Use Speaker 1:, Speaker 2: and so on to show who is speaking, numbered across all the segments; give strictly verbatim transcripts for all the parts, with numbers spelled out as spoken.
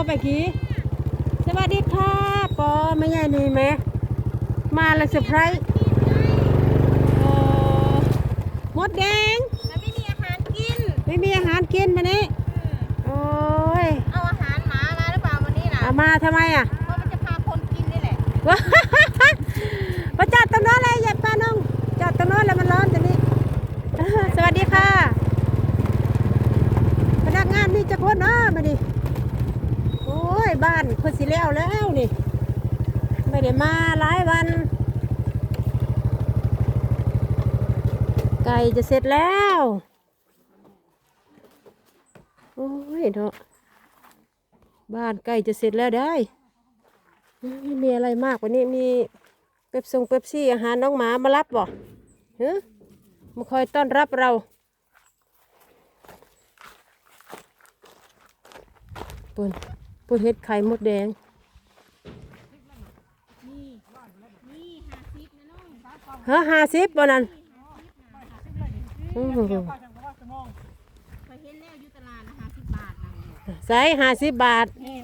Speaker 1: ไปกี้สวัสดีค่ะปอไม่ใหญ่นี่ไหมมาแล้วเซอร์ไพรส์โอ้มดแดง
Speaker 2: แล้วไม่มีอาหารกิน
Speaker 1: ไม่มีอาหารกินมานี่โอ้ย
Speaker 2: เอาอาหารหมามาหรือเปล่าวันนี้น่ะ
Speaker 1: เอามาทำไมอ่ะ
Speaker 2: เพราะมันจะพาคนกินนี่แหละ
Speaker 1: ว้าประจัดตรงนั้นเลยอย่าป้าน้องจัดตรงนั้นแล้วมันร้อนตรงนี้สวัสดีค่ะพนักงานมีจะคนนะมาดิโอ้ยบ้านคนสิแล้วแล้วนี่ไม่ได้มาหลายวันไก่จะเสร็จแล้วโอ้ยเนาะบ้านไก่จะเสร็จแล้วได้ไม่มีอะไรมากกว่านี้มีเป๊ปซงเป๊ปซี่อาหารน้องหมามารับบ่เฮ้ยมาคอยต้อนรับเราปุ่นปุ่นเห็ดไข่มดแดงเฮ้อห้าสิบบ่นั่นใส่ห้าสิบบาท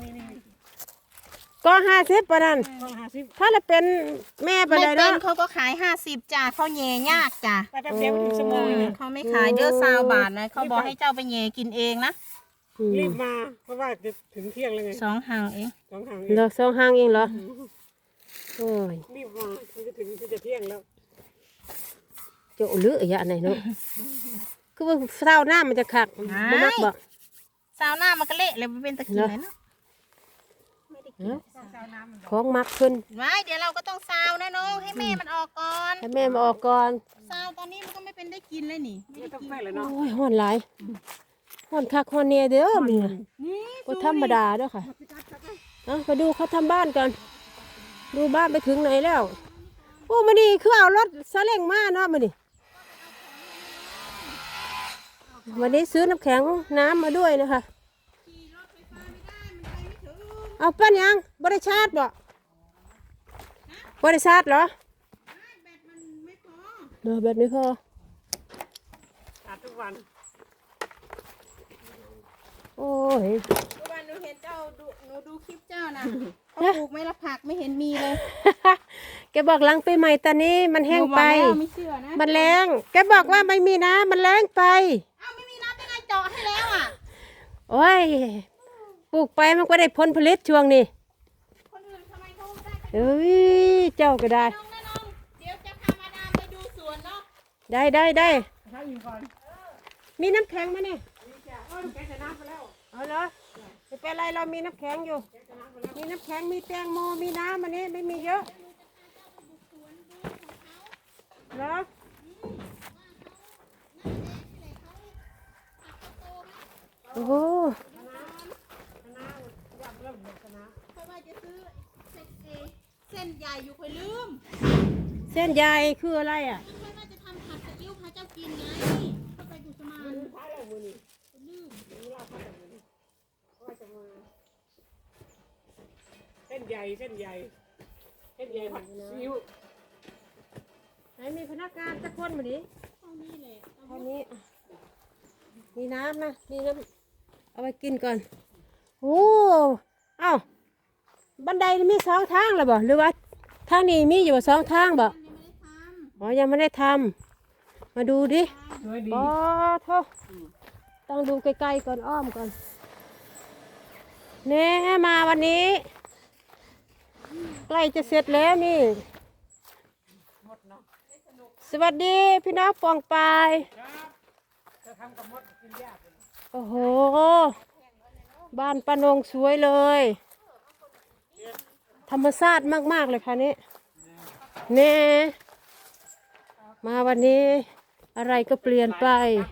Speaker 1: ก็ห้าสิบบ่นั่นถ้าเราเป็นแม่ไปเลยเนาะ
Speaker 2: เขาก็ขายห้าสิบจ้าเขาแย่ยากจ้าเขาไม่ขายเด้อซาวบาทนะเขาบอกให้เจ้าไปแย่กินเองนะ
Speaker 3: รีบมาเพราะว่าจะถึงเที่ยงแล้วไง
Speaker 2: สองหางเอง
Speaker 3: สองหาง
Speaker 1: เหรอสองหางเองเหรอโอ้ย
Speaker 3: รีบมาจะถึงจะเที่ยงแล้ว
Speaker 1: เจ้าเลืออย่าไหนเนาะคือว่าเศร้าหน้ามันจะขักบ่มักบ่
Speaker 2: ซาวหน้ามันก็เละเลยมันเป็นตะกี้เลยเนาะ
Speaker 1: ของมักขึ้น
Speaker 2: ไว้เดี๋ยวเราก็ต้องซาวนะน้องให้แม่มันออกก่อน
Speaker 1: ให้แม่มาออกก่อน
Speaker 2: ซาวตอนนี้มันก็ไม่เป็นได้กินเลยนี่
Speaker 3: ไม่ต้องไปเลยเนาะ
Speaker 1: โอ้ยห้อนหลายห้อนคักห้อนเนียเด้อมึงก็ธรรมดาเด้อค่ะเอาไปดูเขาทำบ้านก่อนดูบ้านไปถึงไหนแล้วโอ้มานี่คือเอารถซาเล้งมาเนาะมานี่วันนี้ซื้อน้ำแข็งน้ำมาด้วยนะคะเอาปั้นยังบริชาร์จบ่บริชาร์จเหรอเดี๋ยวแบตไม่พอ
Speaker 3: อาบทุกวัน
Speaker 1: โอ้ย
Speaker 2: ทุกวันหนูเห็นเจ้าดูหนูดูคลิปเจ้านะเขาปลูกไม่ละผักไม่เห็นมีเลย
Speaker 1: แกบอกหลังปีใหม่ตอนนี้มันแห้งไป
Speaker 2: ไม่เชื่อนะ
Speaker 1: มันแรงแกบอกว่าไม่มีน้ำมันแรงไป
Speaker 2: เอ้าไม่มีน้ำยังไงเจาะให้แล้วอ่ะ
Speaker 1: โอ้ยปลูกไปมันก็ได้ผลผลิตช่วงนี้
Speaker 2: คนอื่นทำไมเขาได้
Speaker 1: เอ้ยเจ้าก็ได้
Speaker 2: เดี๋ยวจะพามาดามไปดูสวนเนาะ
Speaker 1: ได้ได้ได้มีน้ำแข็งมาเนี่ยเอาเหรอไม่เป็นไรเรามีน้ำแข็งอยู่มีน้ำแข็งมีแตงโมมีน้ำอันนี้ไม่มีเยอะเหรอโอ้โห
Speaker 2: เพราะว่าจะซื้อเส้นใหญ่อยู่ค่อยลืม
Speaker 1: เส้นใหญ่คืออะไรอ่ะ
Speaker 2: เพราะว่าจะทำผัดซีอิ๊วพาเจ้ากินไงเข้าไปกุศมานลืม
Speaker 3: เส้นใหญ่เส้นใหญ่เส้นใหญ่ผัดซีอิ๊ว
Speaker 1: ไหนมีพนักงานจะคนมาดิ
Speaker 2: เท่านี้เลย
Speaker 1: เท่านี้มีน้ำนะมีน้ำเอาไปกินก่อนโอ้เอ้าบันไดมีสองทางเลยบ่หรือว่าทางนี้มีอยู่สองทางบ่อ๋อยังไม่ได้ทำมาดูดิอ๋อโทษต้องดูไกลๆก่อนอ้อมก่อนเน่มาวันนี้ใกล้จะเสร็จแล้วนี่สวัสดีพี่น้องปองปายโอ้โหบ้านป้านงสวยเลยธรรมชาติมากๆเลยค่ะนี่เน่มาวันนี้อะไรก็เปลี่ยนไป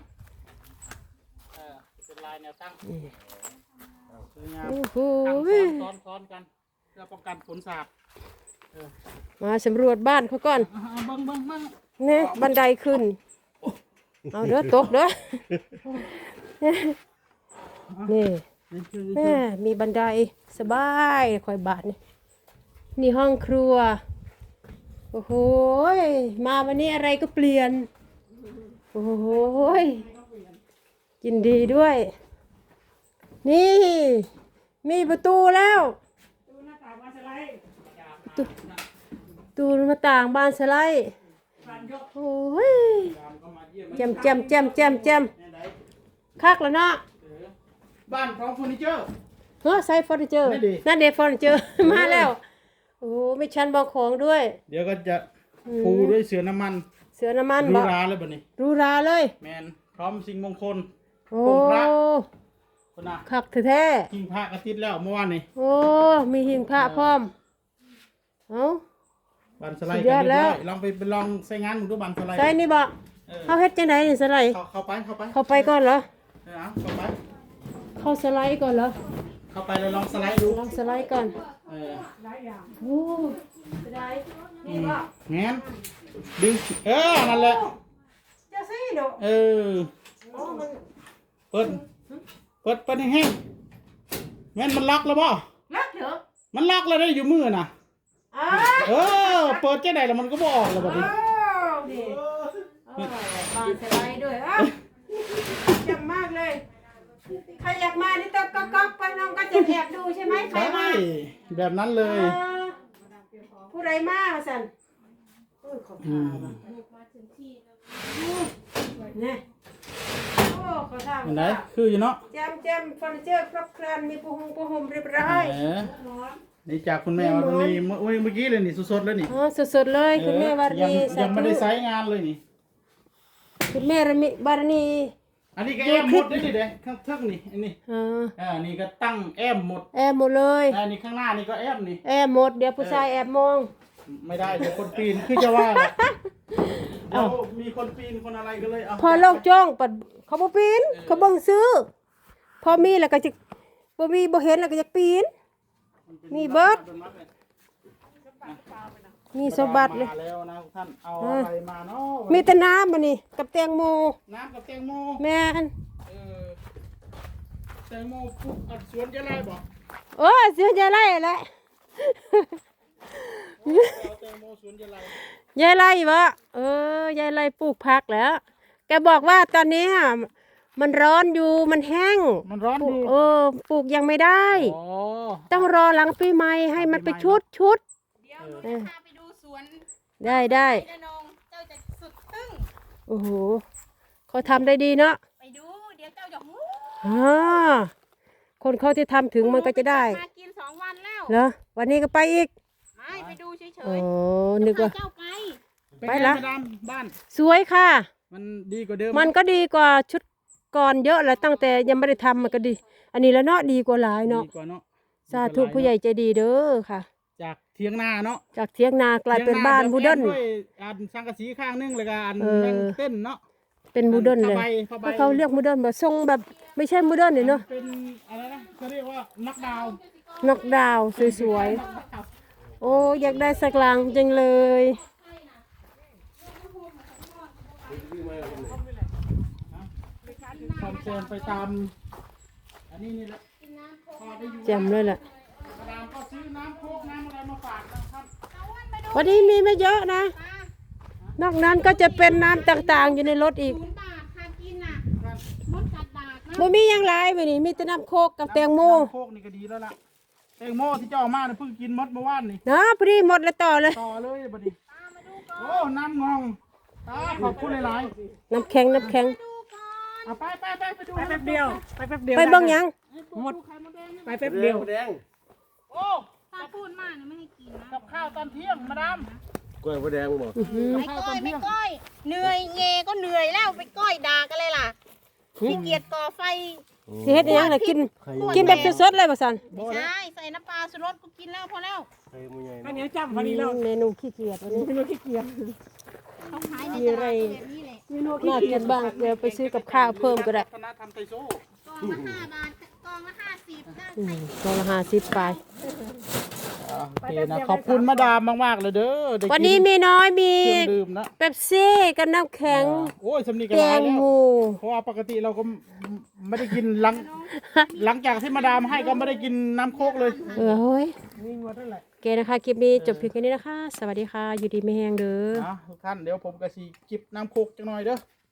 Speaker 1: โอ้โห
Speaker 3: ซ้อนๆกันเพื่อป้องกันฝนสาด
Speaker 1: มาสำรวจบ้านเขาก่อน
Speaker 3: บังบังบัง
Speaker 1: เนี่ยบันไดขึ้นเอาเด้อตกเด้อนี่แม่มีบันไดสบายคอยบาทนี่นี่ห้องครัวโอ้โหมาวันนี้อะไรก็เปลี่ยนโอ้โหยินดีด้วยนี่มีประตูแล้ว
Speaker 3: ดูหน้าต่างมาสไลด์
Speaker 1: ตูหน้าต่างบานสไลด์
Speaker 3: ฟันยก
Speaker 1: โอ้ยแจมแจมแจมแจมแจมคักแล้วเนาะ
Speaker 4: บ้านพร้อมเฟอร์นิเจอร์
Speaker 1: เฮ้อใส่เฟอร์นิเจอร์
Speaker 4: นั่นดิ
Speaker 1: นั่นเดฟเฟอร์นิเจอร์ มาแล้วโอ้มีชั้นวางของด้วย
Speaker 4: เดี๋ยวก็จะปูด้วยเสือน้ำมัน
Speaker 1: เสือน้ำมัน
Speaker 4: รู
Speaker 1: บ่
Speaker 4: ราเลยบัดนี้
Speaker 1: หรูหราเลย
Speaker 4: แมนพร้อมสิ่งมงคล
Speaker 1: โอ้
Speaker 4: องค์พระ คนน่ะ
Speaker 1: คักแท้
Speaker 4: ทิ้งพระกระติดแล้วเมื่อวานนี่
Speaker 1: ๆโอ้มีหิ้งพระพร้อมเอ้า
Speaker 4: บันสไลด์
Speaker 1: สุดยอดแล้ว
Speaker 4: ลองไปไปลองใช้งานมึงดูบันสไลด์
Speaker 1: ใส่นี่บ่
Speaker 4: เออ
Speaker 1: เฮาเฮ็ดจังไดนี่สไลด์
Speaker 4: เข้าเข้าไปเข้าไป
Speaker 1: เข้าไปก่อนเหรอ
Speaker 4: เออเอาเข้าไป
Speaker 1: เข้าสไลด์ก่อนเหรอ
Speaker 4: เข้าไปแล้วลองสไลด์ดู
Speaker 1: ลองสไลด์ก่อน
Speaker 4: เออ
Speaker 3: หลายอย่าง
Speaker 1: โอ้สไลด์นี่บ่
Speaker 4: แงนดึงเออนั่นแหละ
Speaker 1: จะสิเนาะ
Speaker 4: เออ
Speaker 1: อ๋อมัน
Speaker 4: เปิดเปิดเปิดแห้งๆแม่นมันล็อกแล้วบ่
Speaker 1: ลักเหรอ
Speaker 4: มันล็อกแล้วได้อยู่มือน่ะ
Speaker 1: อ้า
Speaker 4: เออเปิดแค่ไหนแล้วมันก็บ่ออกแล้วบัดนี้
Speaker 1: วดิเออบานสไลด์ด้วยอ่ะจำมากเลย ใครอยากมานี่ต้องก๊อกๆไปน้องก็จะแอบดูใช่ไหมใคร
Speaker 4: ใช่
Speaker 1: มา
Speaker 4: แบบนั้นเลย
Speaker 1: เออผู้ใดมาสันอุ้ยขอบ
Speaker 4: อื
Speaker 1: คุณ
Speaker 4: ม
Speaker 1: เนี่ยโอ้ขอทาง
Speaker 4: เห็นไหมคืออยู่เนาะ
Speaker 1: แจมแจมเฟอร์นิเจอร์ครบครันมีปูหงปูห่มเรียบร้อย
Speaker 4: เออนี่จากคุณแม่วันนี้เมื่อเมื่อกี้เลยนี่สดๆเลยนี่
Speaker 1: อ๋อสดๆเลยคุณแม่วาร
Speaker 4: ยัง
Speaker 1: ณีสา
Speaker 4: ยังไม่
Speaker 1: ธุ
Speaker 4: ได้ไซส์งานเลยนี่
Speaker 1: คุณแม่ระมิวารณี
Speaker 4: อันนี้ก็แอมหมดเลยนี่เด้ข้างเทิงนี่อันนี้
Speaker 1: อ่า
Speaker 4: อ่านี่ก็ตั้งแอมหมด
Speaker 1: แอบหมดเลย
Speaker 4: อันนี้ข้างหน้านี่ก็แอมนี่
Speaker 1: แอบหมดเดี๋ยวผู้ชายแอบมอง
Speaker 4: ไม่ได้เดี๋ยวคนปีนคือจะว่าแหละเดี๋ยวมีคนปีนคนอะไรก็เลยเอา
Speaker 1: พอโลกจ้องปัดเขาบ่ปีนเขาเบิ่งซื้อ พอมีแล้วก็จะบ่มีบ่เห็นแล้วก็จะปีน มีเบิด มีสมบัติเลย
Speaker 4: มาแล้วนะท่านเอาอะไรมาเนาะ
Speaker 1: มีแต่น้ำบัดนี้กับแตงโม
Speaker 4: น้ำกับแตงโม
Speaker 1: แม่น
Speaker 4: เออแตงโมปลูกอัดสวนจะไรบอก
Speaker 1: โอ้ยเสียใจไรแหละ
Speaker 4: เอาแตงโมสวนจะไร
Speaker 1: ยายไรวะเออยายไรปลูกผักแล้ว แกบอกว่าตอนนี้อะมันร้อนอยู่มันแห้ง
Speaker 4: มันร้อน
Speaker 1: ปลู
Speaker 4: อก ยู่
Speaker 1: เออปลูกยังไม่ได้
Speaker 4: อ๋อ
Speaker 1: ต้องรอหลังปีใหม่ให้มันไปชุดชุด
Speaker 2: เดี๋ยวหนูจะพาไปดูสวน
Speaker 1: ได้ได้
Speaker 2: ไอ้นงเจ้าจะสุดทึ่ง
Speaker 1: โอ้โหเขาทำได้ดีเนาะ
Speaker 2: ไปดูเดี๋ยวเจ้าจะหู
Speaker 1: อ่าคนเขาที่ทำถึงมันก็จะได้
Speaker 2: มากินสองวันแล้ว
Speaker 1: เหรอวันนี้ก็ไปอีก
Speaker 2: ไม่ไปดูเฉ
Speaker 1: โอ้
Speaker 2: ยๆ
Speaker 1: นึกว่า
Speaker 2: เจ้าไกล
Speaker 4: เป็น
Speaker 1: ไป
Speaker 4: ไง
Speaker 1: ละ
Speaker 4: มาดามบ้าน
Speaker 1: สวยค่ะ
Speaker 4: มันดีกว่าเดิม
Speaker 1: มันก็ดีกว่าชุดก่อนเยอะแหละตั้งแต่ยังไม่ได้ทำมันก็ดี อันนี้แล้วเนาะดีกว่าหลายเนาะ
Speaker 4: ดีกว่าเนาะ
Speaker 1: สาธุผู้ใหญ่ใจดีเด้อค่ะ
Speaker 4: จากเทียงนาเนาะ
Speaker 1: จากเทียงนากลายเป็นบ้านมูเดิร์น
Speaker 4: เทียงาแบบแอมด้วยอันสังกะสีข้างนึงเลยกันอัน
Speaker 1: เออ
Speaker 4: แม่งเต้นเนาะ
Speaker 1: เป็นมูเดิร์นเลย
Speaker 4: ผ้าใบผ้าใบ
Speaker 1: เพราะเขาเรียกมูเดิร์นแบบทรงแบบไม่ใช่มูเดิร์นเนี่ยเนาะ
Speaker 4: เป็นอะไรนะเขาเรียกว่านักดาวน์
Speaker 1: นอกดาวน์สวยๆโอ้อยากได้สักหลังจังเลย
Speaker 4: คอมเซนไปตามอันนี้นี่แหละพอได้อยู่
Speaker 1: แจ่มเลยแหละ
Speaker 4: มาดามก็ซื้อน้ำโคกน้ำอะไรมาฝากนะครับ
Speaker 1: วันนี้มีไม่เยอะนะ นอกนั้นก็จะเป็นน้ำต่างๆ อยู่ในรถอีก
Speaker 2: ศูนย์บาททานกินน่ะมดกัดดากนะ
Speaker 1: บ่มีหยังหลายไปนี่มีแต่น้ำโคกกับแตงโม
Speaker 4: น้ำโคกนี่ก็ดีแล้วล่ะแตงโมที่เจ้าเอามาเนี่ยเพิ่งกินมดเมื่อวานนี่
Speaker 1: นะพอดีหมดแล้วต่อเลย
Speaker 4: ต่อเลยบัดนี้โอ้น้ำงองตาขอบคุณหลาย
Speaker 1: น้ำแข็งน้ำแข็ง
Speaker 4: ๆเอาไปไปไปไปดู
Speaker 3: ไปแป๊บเดียวไปแป๊บเดียว
Speaker 1: ไปเบิ่งหยัง
Speaker 4: หมดไข่มดแดง
Speaker 3: ไปแป๊บเดียว
Speaker 4: โอ้
Speaker 2: ถ้าพูดมากนะไม่ให้กินนะ
Speaker 4: กับข้าวตอนเที่ยงมาดาม
Speaker 5: กล้วยมะแดงบ่
Speaker 1: อื้อหือ
Speaker 2: ไม่ก้อยไม่ก้อยเหนื่อยเงก็เหนื่อยแล้วไปก้อยดากันเลยล่ะขี้เกียจก่อไฟ
Speaker 1: สิเฮ็ดหยังน่ะกิน กินแบบสดๆเลยบ่ซั่น
Speaker 2: ไม่ใช่ใส่น้ำปลาสุรสก็กินแล้วพอแล้ว
Speaker 5: ไข่มะใหญ่
Speaker 3: อันนี้จำพอดีแล้ว
Speaker 1: เมนูขี้เกียจวันนี้
Speaker 3: ไม่รู้ขี้เกียจ
Speaker 2: เขาขายใน
Speaker 1: มี
Speaker 2: ต
Speaker 1: อะไร
Speaker 2: ลาดแบบนี้แหละ
Speaker 3: ไม่รู้
Speaker 1: น่ากินบ้างเดี๋ยวไปซื้อกับข้าวเพิ่มก็ได้
Speaker 4: ธนาธรรมไทโซ่
Speaker 2: กองละห้าบาทกองละห้าสิบได้
Speaker 1: อืมกล่องละห้าสิบไป
Speaker 4: โอเคนะขอบคุณมาดามมากๆเลยเด้อได้กิ
Speaker 1: วันนี้มีน้อยมี
Speaker 4: เครื่องดื่มนะ
Speaker 1: เป๊ปซี่กับน้ำแข็ง
Speaker 4: โอ้ยสำนีกัน
Speaker 1: แต
Speaker 4: หลาย
Speaker 1: ง
Speaker 4: แล้ว
Speaker 1: โม
Speaker 4: เพราะว่าปกติเราก็ไม่ได้กินหลังหลังจากที่มาดามให้ก็ไม่ได้กินน้ำโคกเลย
Speaker 1: เออเฮ้ย
Speaker 3: มีหมดเท่าไหร่
Speaker 1: โอเคนะคะ คลิปนี้จบเพียงแค่นี้นะคะ สวัสดีค่ะ อยู่ดีไม่แห้งเด้อ
Speaker 4: นะทุกท่านเดี๋ยวผมก็สีจิบน้ำโคกจังหน่อยเด้อ